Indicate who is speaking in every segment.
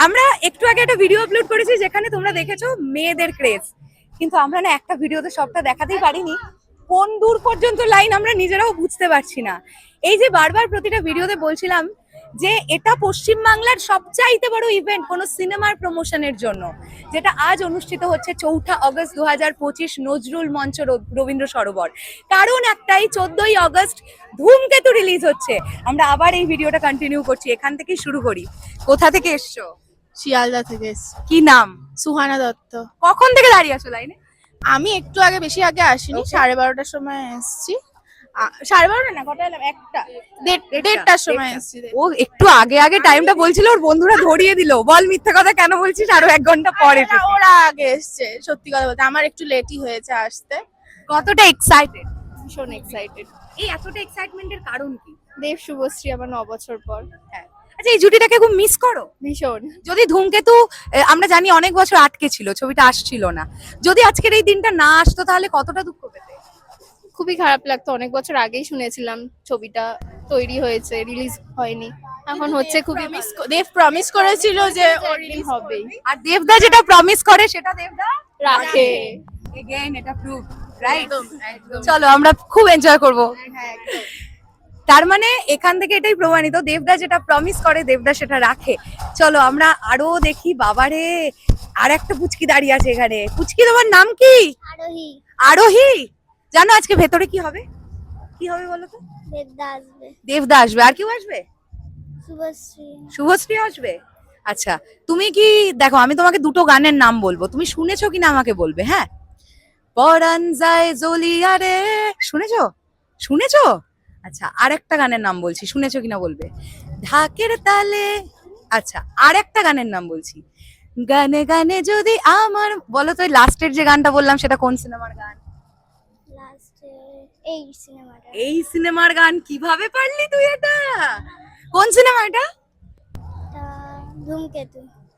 Speaker 1: আমরা একটু আগে একটা ভিডিও আপলোড করেছি যেখানে তোমরা দেখেছো মেয়েদের ক্রেজ, কিন্তু আমরা না একটা ভিডিওতে সবটা দেখাতেই পারিনি। কোন দূর পর্যন্ত লাইন আমরা নিজেরাও বুঝতে পারছি না। এই যে বারবার প্রতিটা ভিডিওতে বলছিলাম যে এটা পশ্চিমবাংলার সবচাইতে বড় ইভেন্ট কোনো সিনেমার প্রমোশনের জন্য, যেটা আজ অনুষ্ঠিত হচ্ছে 4 আগস্ট 2025 নজরুল মঞ্চ রবীন্দ্র সরোবর। কারণ একটাই, 14 আগস্ট ধূমকেতু রিলিজ হচ্ছে। আমরা আবার এই ভিডিওটা কন্টিনিউ করছি, এখান থেকেই শুরু করি। কোথা থেকে এসছো?
Speaker 2: শিয়ালদা থেকে এসেছি।
Speaker 1: কি নাম?
Speaker 2: সুহানা দত্ত।
Speaker 1: কখন থেকে দাঁড়িয়ে আছো লাইনে?
Speaker 2: আমি একটু আগে, বেশি আগে আসিনি, 12:30টার সময় এসেছি। 12:30 না, কটা এলাম? 1টার সময় এসেছি।
Speaker 1: ও একটু আগে আগে টাইমটা বলছিল, ওর বন্ধুরা ধরিয়ে দিল। বল মিথ্যা কথা কেন বলছিস, আরো 1 ঘন্টা পরে।
Speaker 2: না, ওরা আগে এসছে, সত্যি কথা বলতে আমার একটু লেটই হয়েছে আসতে।
Speaker 1: কতটা এক্সাইটেড?
Speaker 2: ভীষণ এক্সাইটেড।
Speaker 1: এই এতটা এক্সাইটমেন্টের কারণ কি?
Speaker 2: দেব শুভশ্রী আমার 9 বছর পর।
Speaker 1: হ্যাঁ, আচ্ছা এই জুটিটাকে খুব মিস করো?
Speaker 2: ভীষণ।
Speaker 1: যদি ধূমকেতু, আমরা জানি অনেক বছর আটকে ছিল, ছবিটা আসছিল না, যদি আজকের এই দিনটা না আসতো তাহলে কতটা দুঃখ পেতে?
Speaker 2: খুবই খারাপ লাগতো, অনেক বছর আগেই শুনেছিলাম ছবিটা তৈরি হয়েছে, রিলিজ হয়নি, এখন হচ্ছে। খুবই দেব প্রমিস করেছিল যে রিলিজ হবেই,
Speaker 1: আর দেবদা যেটা প্রমিস করে সেটা দেবদা
Speaker 2: রাখে।
Speaker 1: এগেইন এটা প্রুফ, রাইট? চলো আমরা খুব এনজয় করব।
Speaker 2: হ্যাঁ,
Speaker 1: তার মানে এখান থেকে এটাই প্রমাণিত, দেবদা যেটা প্রমিস করে দেবদা সেটা রাখে। চলো আমরা আরো দেখি। বাবারে, আর একটা পুচকি দাঁড়িয়ে আছে এখানে। পুচকি, তোমার নাম কি?
Speaker 3: আরোহী।
Speaker 1: আরোহী। জানো আজকে ভেতরে কি হবে? কি হবে বলো তো?
Speaker 3: দেবদা আসবে।
Speaker 1: দেবদা আসবে, আর কেউ আসবে?
Speaker 3: শুভশ্রী।
Speaker 1: শুভশ্রী আসবে। আচ্ছা, তুমি কি, দেখো আমি তোমাকে দুটো গানের নাম বলবো, তুমি শুনেছো কিনা আমাকে বলবে, হ্যাঁ? পরান যায় জ্বলিয়া রে, শুনেছো? শুনেছো? আচ্ছা, আর একটা গানের নাম বলছি, শুনেছো কিনা বলবে। ঢাকের তালে। আচ্ছা, আর একটা গানের নাম বলছি, গানে গানে যদি আমার, বলো তো লাস্টের যে গানটা বললাম সেটা কোন সিনেমার গান?
Speaker 3: লাস্টে এই সিনেমাটা।
Speaker 1: এই সিনেমার গান? কিভাবে পারলি তুই এটা? কোন সিনেমা এটা?
Speaker 3: Dhumketu.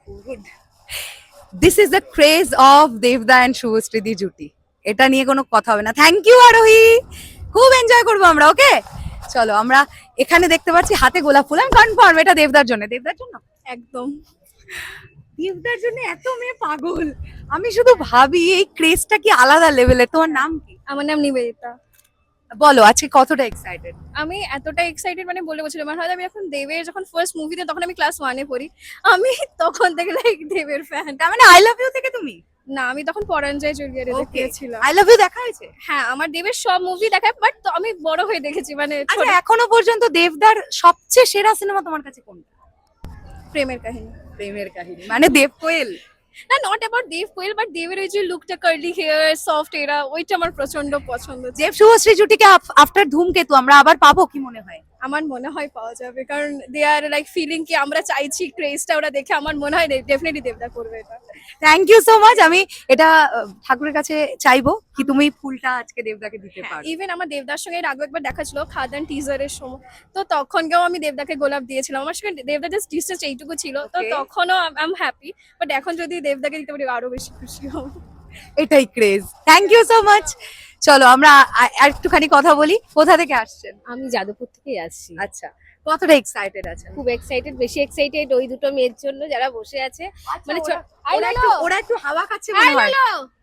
Speaker 1: This is the craze of দেবদা এন্ড শুভশ্রী জুটি। এটা নিয়ে কোনো কথা হবে না। থ্যাংক ইউ আরোহী, খুব এনজয় করবো আমরা। ওকে চলো, আমরা এখানে দেখতে পাচ্ছি হাতে গোলাপ ফুল। আমি কনফার্ম এটা দেবদার জন্য। দেবদার জন্য?
Speaker 2: একদম।
Speaker 1: দেবদার জন্য এত মেয়ে পাগল। আমি শুধু ভাবি এই ক্রেজটা কি আলাদা লেভেলের। তোমার নাম কি?
Speaker 2: আমার নাম নিবেদিতা।
Speaker 1: বলো আজকে কতটা এক্সাইটেড?
Speaker 2: আমি এতটা এক্সাইটেড, মানে বলে বলছিলাম, আমার হয়তো আমি এখন দেবের যখন ফার্স্ট মুভিতে, তখন আমি ক্লাস 1-এ পড়ি, আমি তখন থেকে লাইক দেবের ফ্যান।
Speaker 1: তার মানে আই লাভ ইউ থেকে তুমি?
Speaker 2: না, আমি তখন পরান যায় জুলিয়ারে দেখিয়েছিলাম।
Speaker 1: আই লাভ ইউ দেখা হয়েছে?
Speaker 2: হ্যাঁ, আমার দেবের সব মুভি দেখা, বাট আমি বড় হয়ে দেখেছি, মানে
Speaker 1: আচ্ছা, এখনো পর্যন্ত দেবদার সবচেয়ে সেরা সিনেমা তোমার কাছে কোনটা?
Speaker 2: প্রেমের কাহিনী।
Speaker 1: প্রেমের কাহিনী মানে দেব কোয়েল?
Speaker 2: না, not about Dev Koel, but দেবের ওই যে লুকটা, কার্লি হেয়ার, সফট এরা, ওইটা আমার প্রচন্ড পছন্দ।
Speaker 1: দেব শুভশ্রী জুটিকে আফটার ধূমকেতু আমরা আবার পাবো কি মনে হয়?
Speaker 2: আমার মনে হয় পাওয়া যাবে, কারণ দে আর লাইক ফিলিং কি আমরা চাইছি, ক্রেজটা ওরা দেখে আমার মনে হয় ডেফিনেটলি দেবদা করবে এটা।
Speaker 1: Thank you so much. আমি এটা ঠাকুরের কাছে চাইবো কি তুমি ফুলটা আজকে দেবদাকে দিতে পারো।
Speaker 2: ইভেন আমার দেবদার সঙ্গে এর আগে একবার দেখা ছিল খাদান টিজারের সময়, তো তখনকেও আমি দেবদাকে গোলাপ দিয়েছিলাম। আমার সঙ্গে দেবদা জাস্ট ডিস্টেন্স এইটুকু ছিল, তো
Speaker 1: Okay.
Speaker 2: তখনও আই এম হ্যাপি, বাট এখন যদি দেবদাকে দিতে পারি আরো বেশি খুশি হব।
Speaker 1: এটাই craze. Thank you so much. চলো আমরা আর একটুখানি কথা বলি। কোথা থেকে আসছেন?
Speaker 4: আমি যাদবপুর থেকেই আসছি।
Speaker 1: আচ্ছা, কতটা এক্সাইটেড আছেন?
Speaker 4: খুব এক্সাইটেড, বেশি এক্সাইটেড ওই দুটো মেয়ের জন্য যারা বসে আছে। মানে
Speaker 1: ওরা একটু হাওয়া খাচ্ছে মনে হয়।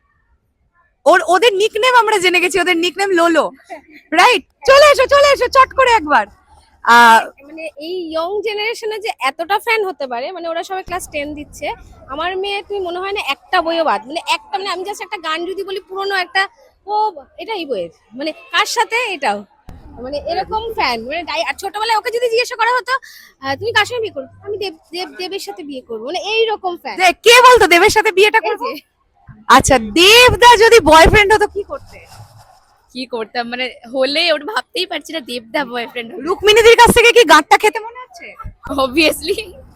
Speaker 1: ওদের নিকনেম আমরা জেনে গেছি, ওদের নিকনেম লোলো, রাইট? চলে এসো চলে এসো চট করে একবার।
Speaker 4: মানে এই ইয়ং জেনারেশনে যে এতটা ফ্যান হতে পারে, মানে ওরা সবাই ক্লাস 10 দিচ্ছে। আমার মেয়ে, তুমি মনে হয় না একটা বইও বাদ, মানে একটা, মানে আমি জাস্ট একটা গান যদি বলি পুরনো একটা, ও এটা এই বইয়ের, মানে কার সাথে এটাও, মানে এরকম ফ্যান। মানে আর ছোটবেলায় ওকে যদি জিজ্ঞাসা করা হতো তুমি কার সঙ্গে বিয়ে করবে, আমি দেবের সাথে বিয়ে করবো, মানে এইরকম ফ্যান।
Speaker 1: কে বলতো দেবের সাথে বিয়েটা করবে? আচ্ছা, দেবদা যদি বয়ফ্রেন্ড হতো কি করতে?
Speaker 4: কি করতাম, মানে হলে ওটা ভাবতেই পারছি না, দেবদা বয়ফ্রেন্ড
Speaker 1: রুক্মিণীদের কাছ থেকে কি গাঁটটা খেতে মনে হচ্ছে?
Speaker 4: অবভিয়াসলি।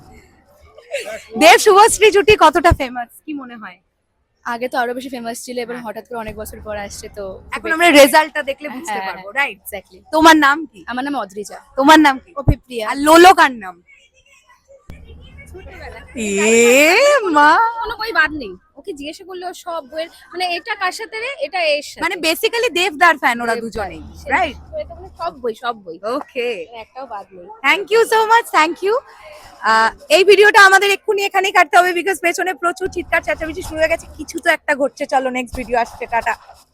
Speaker 1: দেব শুভশ্রী জুটি কতটা ফেমাস কি মনে হয়?
Speaker 4: আগে তো আরো বেশি ফেমাস ছিল, এবার হঠাৎ করে অনেক বছর পর আসছে, তো
Speaker 1: এখন আমরা রেজাল্টটা দেখলে বুঝতে
Speaker 4: হ্যাঁ,
Speaker 1: পারবো, রাইট?
Speaker 4: এক্স্যাক্টলি।
Speaker 1: তোমার নাম কি?
Speaker 4: আমার নাম অদ্রিজা।
Speaker 1: তোমার নাম কি?
Speaker 2: অভিপ্রিয়া।
Speaker 1: আর লোলো কার নাম? এ মা,
Speaker 4: কোনো বই বাদ নেই, ও ওকে জিজ্ঞাসা করলে ও সব বইয়ের মানে এটা কার সাথে রে, এটা এর সাথে,
Speaker 1: মানে বেসিক্যালি দেবদার ফ্যান ওরা দুজনেই, রাইট?
Speaker 4: তো এটা মানে সব বই
Speaker 1: ওকে,
Speaker 4: একটাও বাদ নেই।
Speaker 1: Thank you so much, thank you. এই ভিডিওটা আমাদের এক্ষুনি এখানেই কাটতে হবে, বিকজ পেছনে প্রচুর চিৎকার চেঁচামেচি শুরু হয়ে গেছে, কিছু তো একটা ঘটছে। চলো নেক্সট ভিডিও আসছে, টাটা।